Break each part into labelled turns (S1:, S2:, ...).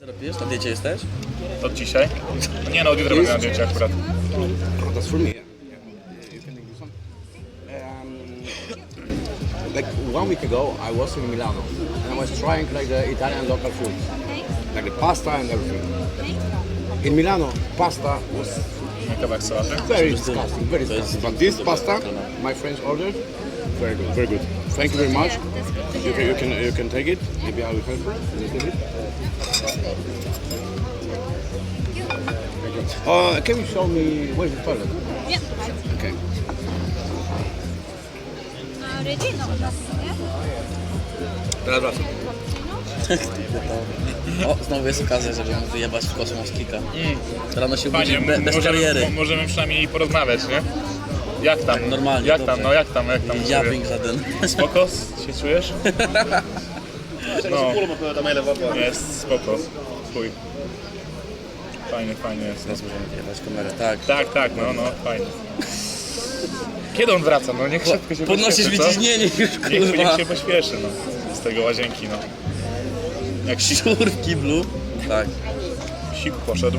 S1: Pijesz? Na diecie jesteś?
S2: Od dzisiaj? Nie no, od jutra będę na diecie akurat.
S3: That's for me. Yeah. You can do some. Like 1 week ago, I was in Milano and I was trying like the Italian local food, like the pasta and everything. In Milano, pasta was
S2: Kawałek sałaty.
S3: very disgusting, very disgusting. But this pasta, my friends ordered, very good, very good. Thank you very much. You can take it. Maybe I will help you a little bit. Can you show me where's the toilet?
S4: Yeah.
S3: Okay.
S4: Ready? No, nothing, yeah?
S3: Teraz wracam.
S1: O, znowu jest okazja, żeby mu wyjebać w kosmos kika. Rano się budzi
S2: Fajnie,
S1: bez kariery.
S2: możemy przynajmniej porozmawiać, nie? Jak tam?
S1: Normalnie,
S2: Jak
S1: dobrze.
S2: tam, no jak tam u ciebie?
S1: Jabbing żaden.
S2: Spoko? Się czujesz? No. Jest spoko. Chuj. Fajnie jest.
S1: Teraz możemy wyjebać kamerę, tak.
S2: Tak, no, fajnie. Kiedy on wraca? No niech szybko się
S1: Podnosisz
S2: pośpieszy, co?
S1: wyciśnienie już,
S2: Niech
S1: kurwa.
S2: się pośpieszy, no. Z tego łazienki, no. Jak
S1: Szczur w kiblu. Tak.
S2: siku poszedł.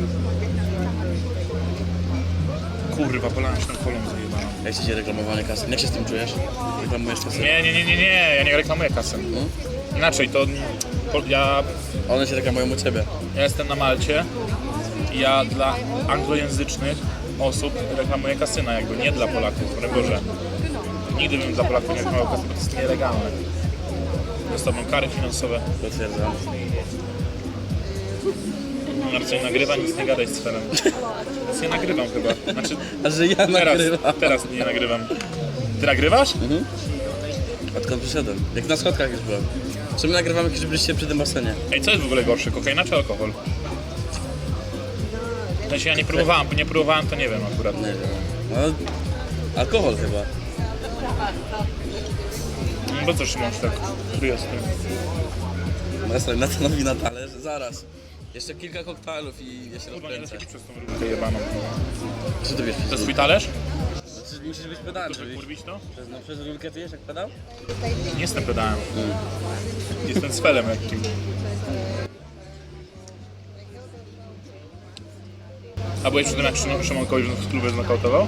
S2: Kurwa, polałem się tą kolą zajebaną.
S1: Jak ci się reklamowanie kasy? Jak się z tym czujesz? Reklamujesz kasy?
S2: Nie, ja nie reklamuję kasy. Inaczej, to ja
S1: One się reklamują u ciebie.
S2: jestem na Malcie i ja dla anglojęzycznych osób reklamuję kasyna, jakby nie dla Polaków, broń Boże. Nigdy bym dla Polaków nie reklamował kasy, bo to jest nielegalne. Dostałbym kary finansowe.
S1: Potwierdzam.
S2: Marcin nagrywa, nic nie gadaj z Ferem. Nic nie nagrywam chyba. Znaczy,
S1: A że ja nagrywam.
S2: teraz nie nagrywam. Ty nagrywasz?
S1: Odkąd przyszedłem? Jak na schodkach już byłem. Czy my nagrywamy jakieś byliście przy tym basenie?
S2: Ej, co jest w ogóle gorsze, kokaina czy alkohol? W sensie ja nie próbowałem, to nie wiem akurat.
S1: Nie wiem. No, alkohol chyba.
S2: No bo co Szymon tak kryje z tym?
S1: Master Natanowi na talerz. Zaraz. Jeszcze kilka koktajlów i ja się
S2: Kurwa, nie da się
S1: rozkręcę.
S2: pić przez tą rurkę jebaną.
S1: Co ty wiesz?
S2: To jest twój talerz?
S1: Znaczy, musisz być pedałem,
S2: Żeby
S1: żebyś...
S2: kurwić to?
S1: No przez rurkę ty jesz jak pedał?
S2: Nie jestem pedałem. Jestem sfelem lekkim. A byłeś przy tym, jak Szymon kogoś w klubie znokautował?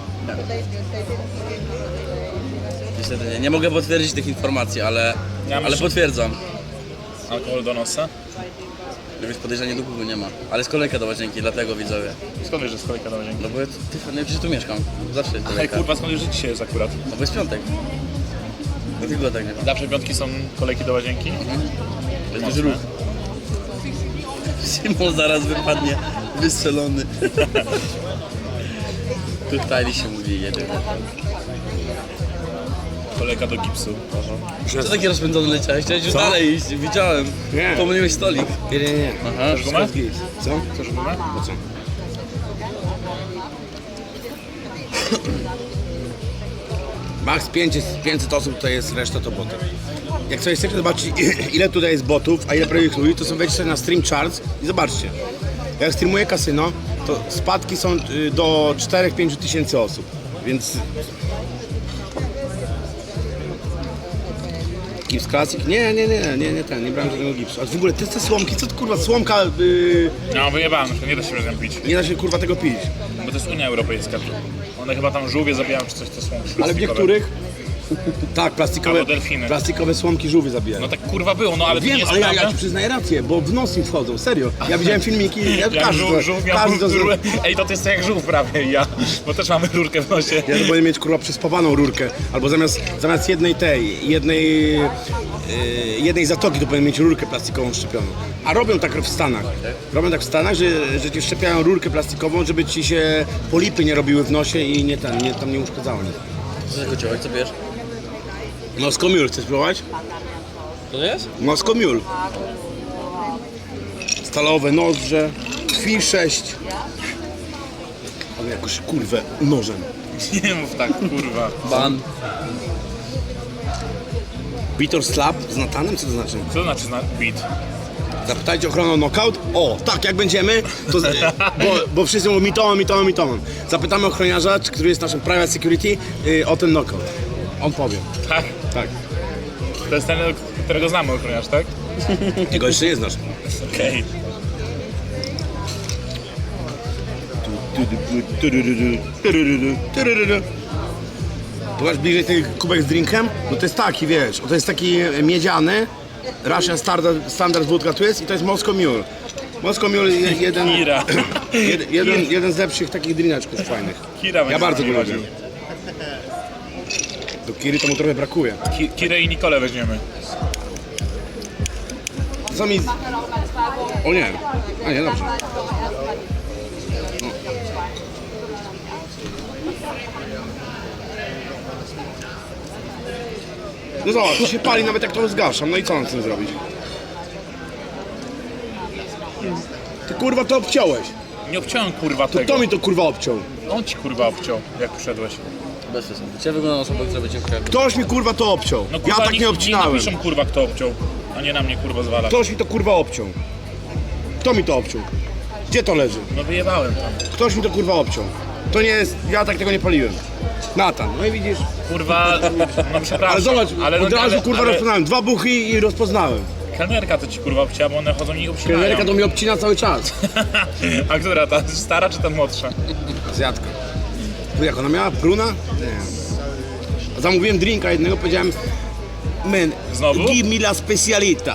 S1: Niestety nie. Nie mogę potwierdzić tych informacji, ale
S2: myślę-
S1: potwierdzam.
S2: Alkohol do nosa?
S1: Więc podejrzenie do kogo nie ma. Ale jest kolejka do łazienki, dlatego widzowie.
S2: Skąd wiesz, że jest kolejka do łazienki?
S1: No bo nie przecież tu mieszkam. Zawsze jest
S2: Ej
S1: kolejka.
S2: kurwa, skąd wiesz, że dzisiaj jest akurat?
S1: No bo jest piątek. Dlatego tak nie ma.
S2: Zawsze piątki są kolejki do łazienki?
S1: To jest duży ruch. Szymon zaraz wypadnie wystrzelony. Tutaj się mówi jeden.
S2: Kolejka do gipsu.
S1: Co taki rozpędzony leciałeś? Chciałeś już dalej iść, widziałem.
S3: Nie.
S1: Pomyliłeś stolik.
S3: Nie.
S1: Aha.
S2: Chcesz gumę?
S3: Co?
S2: Chcesz gumę?
S3: Po co? Max 500 osób to jest, reszta to boty. Jak sobie chcecie zobaczyć ile tutaj jest botów, a ile prawdziwych ludzi, to są wejdźcie sobie na Stream Charts i zobaczcie. Jak streamuję kasyno, to spadki są do 4-5 tysięcy osób, więc... Gips Classic? Nie brałem żadnego gipsu. A w ogóle te słomki, co to kurwa, słomka,
S2: No wyjebałem, nie da się razem pić.
S3: nie da się kurwa tego pić.
S2: Bo to jest Unia Europejska. One chyba tam żółwie zabijają czy coś, to są
S3: Ale w
S2: plastikowe.
S3: niektórych... Tak,
S2: Albo delfiny.
S3: plastikowe słomki żółwie zabijają.
S2: No tak kurwa było, no ale to nie
S3: Wiem,
S2: jest
S3: ale ja
S2: prawda.
S3: ci przyznaję rację, bo w nos im wchodzą, serio. Ja widziałem filmiki,
S2: Jak żółw miał
S3: każdy to
S2: rurę. Ej, to jest jak żółw prawie ja, bo też mamy rurkę w nosie.
S3: Ja to powinien mieć kurwa przespawaną rurkę, albo zamiast jednej zatoki to powinien mieć rurkę plastikową szczepioną. A robią tak w Stanach. Robią tak w Stanach, że ci szczepiają rurkę plastikową, żeby ci się polipy nie robiły w nosie i tam nie uszkadzało nic.
S1: Co za kociołek, co bierz?
S3: Moscow Mule, chcesz spróbować?
S1: Co to jest?
S3: Moscow Mule. Stalowe nożdże, Fi 6. Ale jakoś kurwę nożem.
S2: Nie mów tak, kurwa.
S1: Ban.
S3: Bitor Slap z Natanem? Co to znaczy?
S2: Co to znaczy beat?
S3: Zapytajcie ochronę knockout. O, tak, jak będziemy, to, bo wszyscy mówią mitomon. Zapytamy ochroniarza, który jest naszym private security, o ten knockout. On powie.
S2: Tak?
S3: Tak.
S2: To jest ten, którego znamy ochroniarz, tak?
S3: Tego jeszcze nie znasz.
S2: Okej.
S3: Tu masz bliżej ten kubek z drinkiem? No to jest taki, wiesz, to jest taki miedziany, Russian Standard wódka tu jest i to jest Moscow Mule. Moscow Mule jest
S2: Kira.
S3: jeden z lepszych takich drineczków fajnych.
S2: Kira będzie
S3: Ja bardzo
S2: z
S3: go
S2: nami
S3: lubię.
S2: chodził.
S3: Do Kiry to mu trochę brakuje.
S2: Kirę i Nikolę weźmiemy.
S3: Co mi... O nie, a nie, dobrze. No zobacz, to się pali nawet jak to zgaszam, no i co mam z tym zrobić? Ty kurwa to obciąłeś.
S2: Nie obciąłem kurwa tego.
S3: Kto mi to kurwa obciął?
S2: On ci kurwa obciął, jak przyszedłeś.
S1: Bez sensu. Cię wygląda na osobę, która będzie ukradła.
S3: Ktoś mi kurwa to obciął.
S2: No
S3: Ja
S2: kurwa,
S3: tak nie obcinałem.
S2: napiszą kurwa kto obciął, a nie na mnie kurwa zwala.
S3: Ktoś mi to kurwa obciął. Kto mi to obciął? Gdzie to leży?
S2: No wyjebałem tam.
S3: Ktoś mi to kurwa obciął. To nie jest, ja tak tego nie paliłem. Natan, no i widzisz.
S2: Kurwa, no przepraszam.
S3: Ale zobacz,
S2: ale,
S3: od razu kurwa rozpoznałem. 2 buchy i rozpoznałem.
S2: Kelnerka to ci kurwa obcięła, bo one chodzą i obcinają.
S3: Kelnerka to mi obcina cały czas.
S2: A która, ta stara czy ta młodsza?
S3: Azjatka. Tu jak ona miała? Bruna? Nie. Zamówiłem drinka jednego, powiedziałem man,
S2: Znowu?
S3: give me la specialita.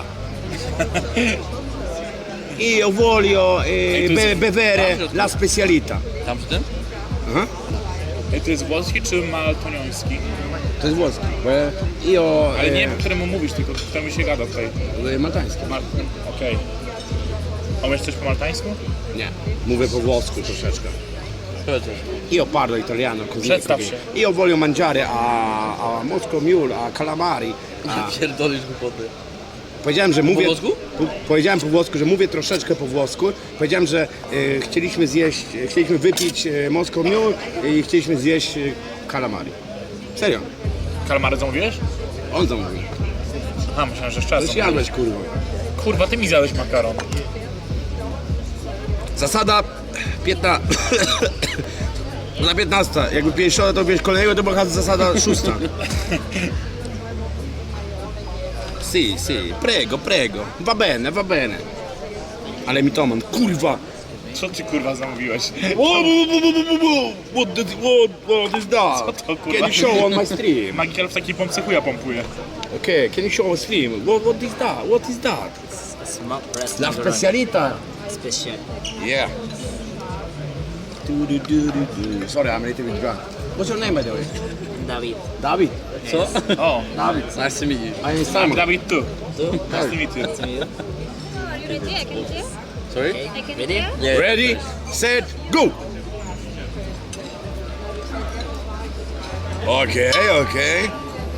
S3: Io voglio
S2: to jest-
S3: bevere la specialita.
S1: Tam przy tym?
S3: Aha.
S2: Ej, to jest włoski czy maltonioński?
S3: To jest włoski. Io
S2: Ale nie wiem, któremu mówisz, tylko któremu się gada tutaj.
S3: maltański.
S2: Okej. A umiesz coś po maltańsku?
S3: Nie. Mówię po włosku troszeczkę.
S1: Chociaż.
S3: Io parlo italiano così.
S2: Przedstaw
S3: perché
S2: się.
S3: Io voglio mangiare a Moscow Mule, a calamari. A,
S1: Pierdolisz głupoty.
S3: powiedziałem, że mówię...
S1: włosku?
S3: Powiedziałem po włosku, że mówię troszeczkę po włosku. Powiedziałem, że chcieliśmy wypić Moscow Mule i chcieliśmy zjeść calamari. Serio.
S2: Kalmary zamówiłeś?
S3: On zamówił.
S2: Aha, myślałem, że szczerze.
S3: Coś jadłeś, kurwa.
S2: Kurwa, ty mi zjadłeś makaron.
S3: Zasada 15. Na 15. Jakby 50 to wiesz kolejnego, to była zasada 6. Si, si, prego, prego. Va bene, va bene. Ale mitoman, kurwa.
S2: Co ty kurwa zamówiłeś?
S3: What is that?
S2: Co to, kurwa?
S3: Can you show on my stream?
S2: Magikel w takiej pompce chuja pompuje.
S3: Okay, can you show on stream? What is that? What is that? La specialita.
S5: Special.
S3: Yeah. Sorry, I'm a little bit drunk. What's your name, by the way?
S5: David.
S3: David.
S1: Co?
S2: O,
S3: David.
S1: Nice to meet you.
S3: I am
S2: I'm
S3: Simon.
S2: Dawid tu. Nice to meet you.
S5: To you.
S4: Are you ready? I can hear.
S1: Sorry?
S4: I can
S5: Ready?
S4: hear.
S1: Yeah.
S3: Ready, set, go! Okay, okay.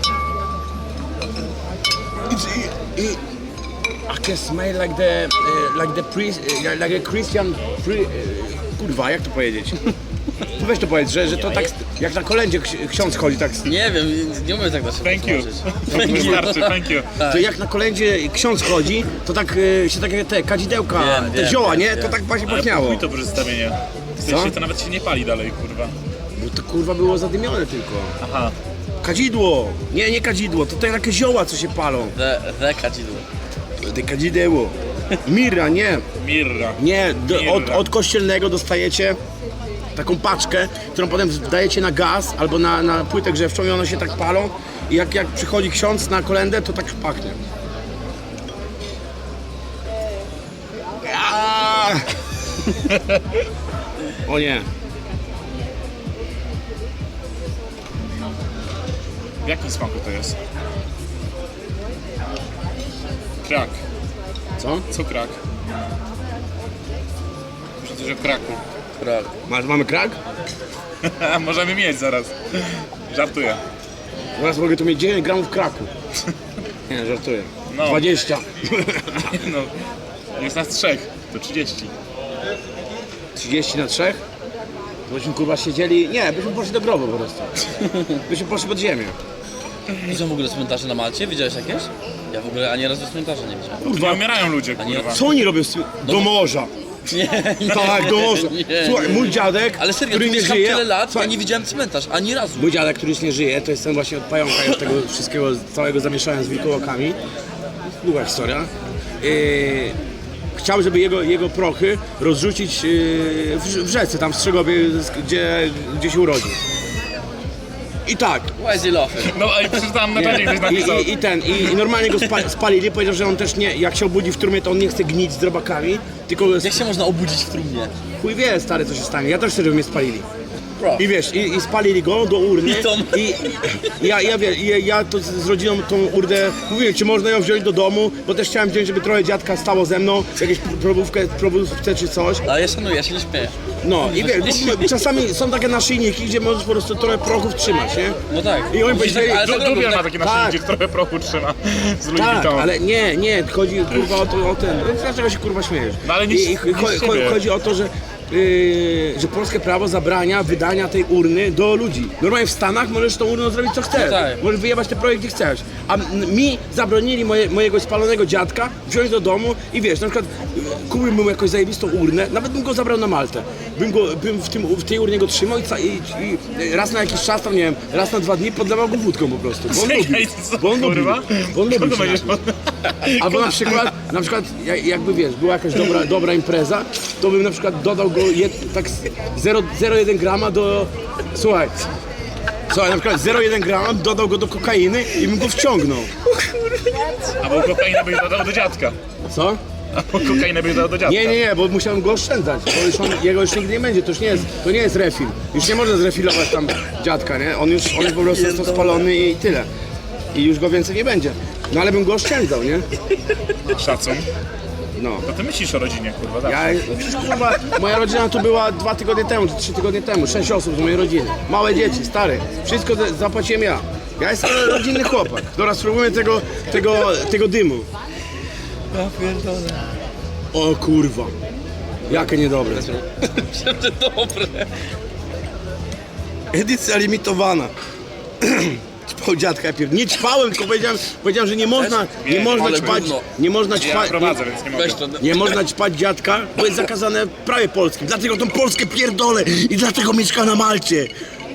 S3: I can smell like the priest, like a Christian kurwa, jak to powiedzieć? To weź to powiedz, że to tak jak na kolędzie ksiądz chodzi, tak.
S1: Nie wiem, nie umiem tak na szybko
S2: Thank you.
S1: tłumaczyć.
S2: Wystarczy, thank you.
S3: To jak na kolędzie ksiądz chodzi, to tak się takie te kadzidełka,
S1: Wiem,
S3: te
S1: wiem,
S3: zioła,
S1: wiem,
S3: nie?
S1: wiem.
S3: To tak właśnie
S2: Ale
S3: pachniało.
S2: chuj to przedstawienie. W sensie to nawet się nie pali dalej, kurwa.
S3: Bo to kurwa było zadymione tylko.
S2: Aha.
S3: Kadzidło! Nie kadzidło, to takie zioła, co się palą.
S1: The kadzidło.
S3: Te kadzideło. Mirra, nie.
S2: Mirra.
S3: Nie,
S2: Mirra.
S3: od kościelnego dostajecie taką paczkę, którą potem dajecie na gaz albo na płytę grzewczą i one się tak palą. I jak przychodzi ksiądz na kolędę, to tak pachnie. Aaaa! O nie.
S2: W jakim smaku to jest? Krak.
S3: Co?
S2: Co krak? Przecież od kraku.
S1: Krak.
S3: Mamy krak?
S2: Możemy mieć zaraz. Żartuję.
S3: Zaraz mogę tu mieć 9 gramów kraku. Nie, żartuję.
S2: No.
S3: 20.
S2: No, jest nas 3, to 30.
S3: 30 na 3? Byśmy kurwa siedzieli... Nie, byśmy poszli do grobu po prostu. Byśmy poszli pod ziemię.
S1: I są w ogóle cmentarze na Malcie? Widziałeś jakieś? Ja w ogóle ani razu cmentarza nie widziałem.
S2: Tu nie umierają ludzie,
S1: nie-
S2: kurwa.
S3: Co oni robią do morza?
S1: Nie,
S3: Tak, do morza.
S1: nie,
S3: Słuchaj, mój dziadek,
S1: Ale serio,
S3: który
S1: tu
S3: nie
S1: mieszkam
S3: żyje...
S1: tyle lat, ja
S3: Słuchaj,
S1: nie widziałem cmentarz, ani razu.
S3: mój dziadek, który już nie żyje, to jest ten właśnie od pająka i od tego wszystkiego, całego zamieszania z wilkołakami. Długa historia. chciał, żeby jego prochy rozrzucić w rzece, tam w Strzegowie, gdzie się urodził. I tak.
S1: Łezy lochy.
S2: No i przeczytałem na czacie, ktoś napisał.
S3: I normalnie go spalili, powiedział, że on też nie, jak się obudzi w trumnie, to on nie chce gnić z robakami, tylko
S1: Jak się można obudzić w trumnie?
S3: chuj wie, stary, co się stanie. Ja też chcę, żeby mnie spalili.
S1: Bro.
S3: I wiesz, i spalili go do urny. Ja to z rodziną tą urnę mówiłem, czy można ją wziąć do domu, bo też chciałem wziąć, żeby trochę dziadka stało ze mną, jakieś probówkę czy coś.
S1: Ale ja szanuję, ja się nie śmieję.
S3: No i wiesz, czasami są takie naszyjniki, gdzie możesz po prostu trochę prochów trzymać, nie?
S1: No tak.
S3: I oni powiedzieli,
S1: Ale tak robią,
S2: Dubiel ma
S1: tak.
S2: takie
S3: Tak.
S2: nasze, gdzie trochę prochu trzyma z Louis
S3: tak,
S2: Vuitton.
S3: ale nie, chodzi kurwa o ten, dlaczego się kurwa śmiejesz?
S2: No ale nic- nic z siebie.
S3: Chodzi o to, że polskie prawo zabrania wydania tej urny do ludzi. Normalnie w Stanach możesz tą urną zrobić co chcesz.
S1: No tak.
S3: Możesz wyjebać te projekty chcesz. A mi zabronili mojego spalonego dziadka wziąć do domu i wiesz, na przykład kupiłbym jakąś zajebistą urnę, nawet bym go zabrał na Maltę. Bym w tej urnie go trzymał i raz na jakiś czas, tam nie wiem, raz na 2 dni podlewał go wódką po prostu. Bo on lubi.
S2: Czekaj, co,
S3: Bo on lubi.
S2: kurwa?
S3: Bo on lubi
S2: Kogo
S3: się
S2: będziesz
S3: napić. Albo na przykład jakby wiesz, była jakaś dobra impreza, to bym na przykład dodał go tak 0,1 grama do... Słuchaj, na przykład 0,1 grama dodał go do kokainy i bym go wciągnął.
S2: Albo kokainę byś dodał do dziadka.
S3: Co?
S2: Albo kokainę byś dodał do dziadka.
S3: Nie, bo musiałem go oszczędzać, bo jego już nigdy nie będzie, to nie jest refil. Już nie można zrefilować tam dziadka, nie? On już po prostu jest to spalony i tyle. I już go więcej nie będzie. No ale bym go oszczędzał, nie?
S2: Szacun.
S3: No.
S2: No ty myślisz o rodzinie, kurwa, tak?
S3: Przecież kurwa, moja rodzina tu była 2 tygodnie temu, czy 3 tygodnie temu, 6 osób z mojej rodziny. Małe dzieci, stary. Wszystko zapłaciłem ja. Ja jestem rodzinny chłopak. Dobra, spróbujmy tego dymu.
S1: Ja pierdolę.
S3: O kurwa. Jakie niedobre.
S1: Myślałem, że dobre.
S3: Edycja limitowana. Ćpał dziadka pierw. Nie ćpałem, tylko powiedziałem, że nie można
S1: ale
S3: ćpać.
S1: gówno.
S3: Nie można
S2: Ja
S3: ćpać.
S2: prowadzę, więc nie mogę.
S1: Weź to.
S3: Nie można ćpać dziadka, bo jest zakazane w prawie polskim. Dlatego tą Polskę pierdolę i dlatego mieszka na Malcie.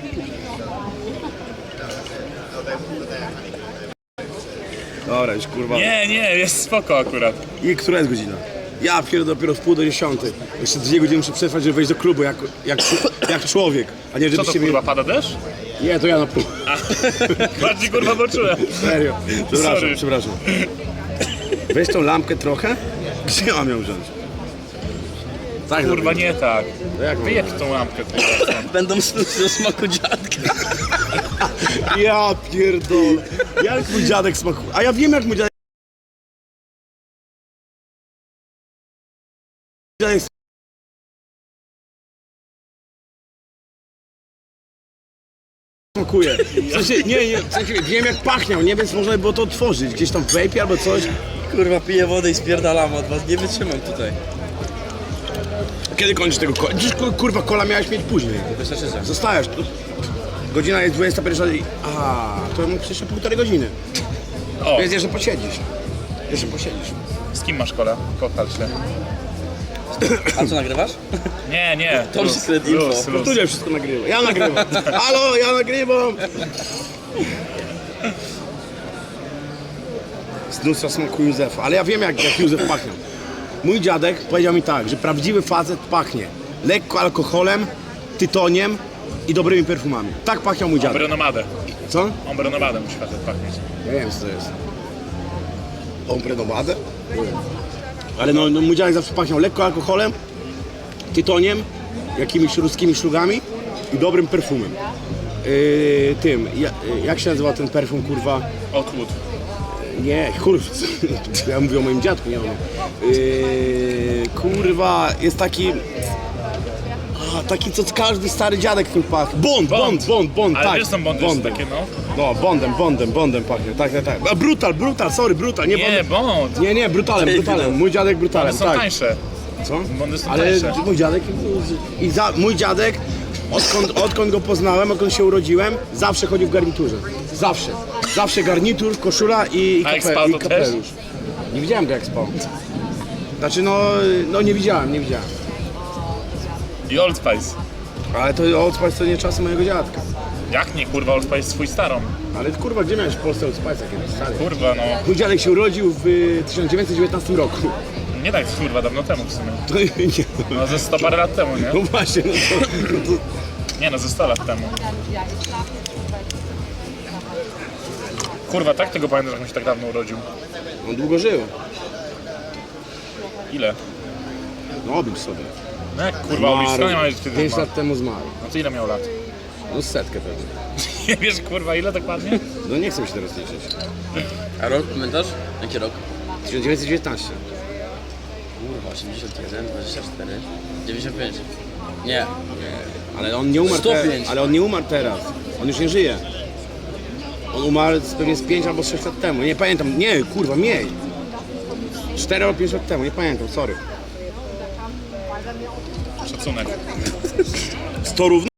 S3: Dobra, już kurwa.
S2: Nie, jest spoko akurat.
S3: I która jest godzina? Ja pierdolę dopiero w 9:30. Jeszcze 2 godziny muszę przetrwać, żeby wejść do klubu jak człowiek. A nie
S2: Co to
S3: żebyście
S2: kurwa, pada deszcz?
S3: Nie, to ja na pół.
S2: Bardziej kurwa poczułem.
S3: Serio.
S2: Sorry.
S3: Przepraszam. Weź tą lampkę trochę. Gdzie mam ją wziąć? Tak,
S2: Kurwa,
S3: zrobię.
S2: nie tak.
S3: To jak mam?
S2: Wyjedź tą lampkę, kurwa.
S1: Będą snuć do smaku dziadka.
S3: Ja pierdolę. Jak mój dziadek smakuje. A ja wiem jak mój dziadek smakuje. W sensie, w sensie, wiem jak pachniał, nie, więc można by było to otworzyć. Gdzieś tam w vape albo coś.
S1: Kurwa, piję wodę i spierdalam od was. Nie wytrzymam tutaj.
S3: Kiedy kończysz tego kola? Dziś kurwa kola miałeś mieć później.
S1: Wystarczy.
S3: Zostajesz. Godzina jest 21. A, to mógł jeszcze 1,5 godziny.
S2: O,
S3: Więc jeszcze posiedzisz.
S2: z kim masz kola? Kochal się.
S1: A co nagrywasz?
S2: Nie.
S1: To
S2: luz,
S1: secret info.
S2: luz, luz.
S3: Studia wszystko nagrywa. Ja nagrywam. Halo, ja nagrywam. Z lustra smaku Józefa. Ale ja wiem jak Józef pachnie. Mój dziadek powiedział mi tak, że prawdziwy facet pachnie lekko alkoholem, tytoniem i dobrymi perfumami. Tak pachniał mój dziadek.
S2: Ombrenomadę.
S3: Co?
S2: Ombrenomadę musi facet pachnieć.
S3: Ja nie wiem co to jest. Ombrenomadę? Ale no mój dziadek zawsze pachniał lekko alkoholem, tytoniem, jakimiś ruskimi szlugami i dobrym perfumem. Jak się nazywa ten perfum, kurwa?
S2: Outwood.
S3: Nie, kurwa, ja mówię o moim dziadku, nie o nim. Kurwa, jest taki... taki, co każdy stary dziadek tym pachnie. Bond,
S2: Ale
S3: tak.
S2: wiesz, są bondy jeszcze takie, no.
S3: No, Bondem pachnie, tak. A brutal, brutal, nie
S2: Nie, bond.
S3: Nie, brutalem. Mój dziadek brutalem,
S2: One są
S3: tak.
S2: tańsze.
S3: Co?
S2: Bondy są
S3: Ale
S2: tańsze.
S3: mój dziadek mój dziadek, odkąd go poznałem, odkąd się urodziłem, zawsze chodził w garniturze. Zawsze garnitur, koszula i
S2: A jak spał, to
S3: kapelusz. Nie widziałem go jak spał. Znaczy no nie widziałem.
S2: I Old Spice.
S3: Ale to Old Spice to nie czasy mojego dziadka.
S2: Jak nie, kurwa, Old Spice swój starą.
S3: Ale kurwa, gdzie miałeś w Polsce od Spice'a kiedyś, stary?
S2: Kurwa, no.
S3: Mój dziadek się urodził w 1919 roku.
S2: Nie tak, kurwa, dawno temu w sumie.
S3: To nie,
S2: No ze 100 parę lat temu, nie?
S3: no właśnie, no to
S2: Nie no, ze 100 lat temu. Kurwa, tak tego pamiętam, że on się tak dawno urodził.
S3: on długo żył.
S2: Ile?
S3: No oblicz sobie.
S2: No jak kurwa, uliczka nie ma już wtedy
S3: 5
S2: ma.
S3: lat temu zmarł.
S2: No to ile miał lat?
S3: No setkę pewnie.
S2: Nie wiesz kurwa ile dokładnie?
S3: No nie chcę się teraz liczyć.
S1: A rok pamiętasz? Jaki rok?
S3: 1919.
S1: Kurwa, 81, 24, 95. Nie.
S3: Ale on nie umarł
S1: 105.
S3: ale on nie umarł teraz. On już nie żyje. On umarł pewnie z 5 albo 6 lat temu. Nie pamiętam. Nie, kurwa, mniej. 4 albo 5 lat temu, nie pamiętam, sorry.
S2: Szacunek.
S3: 100 równo?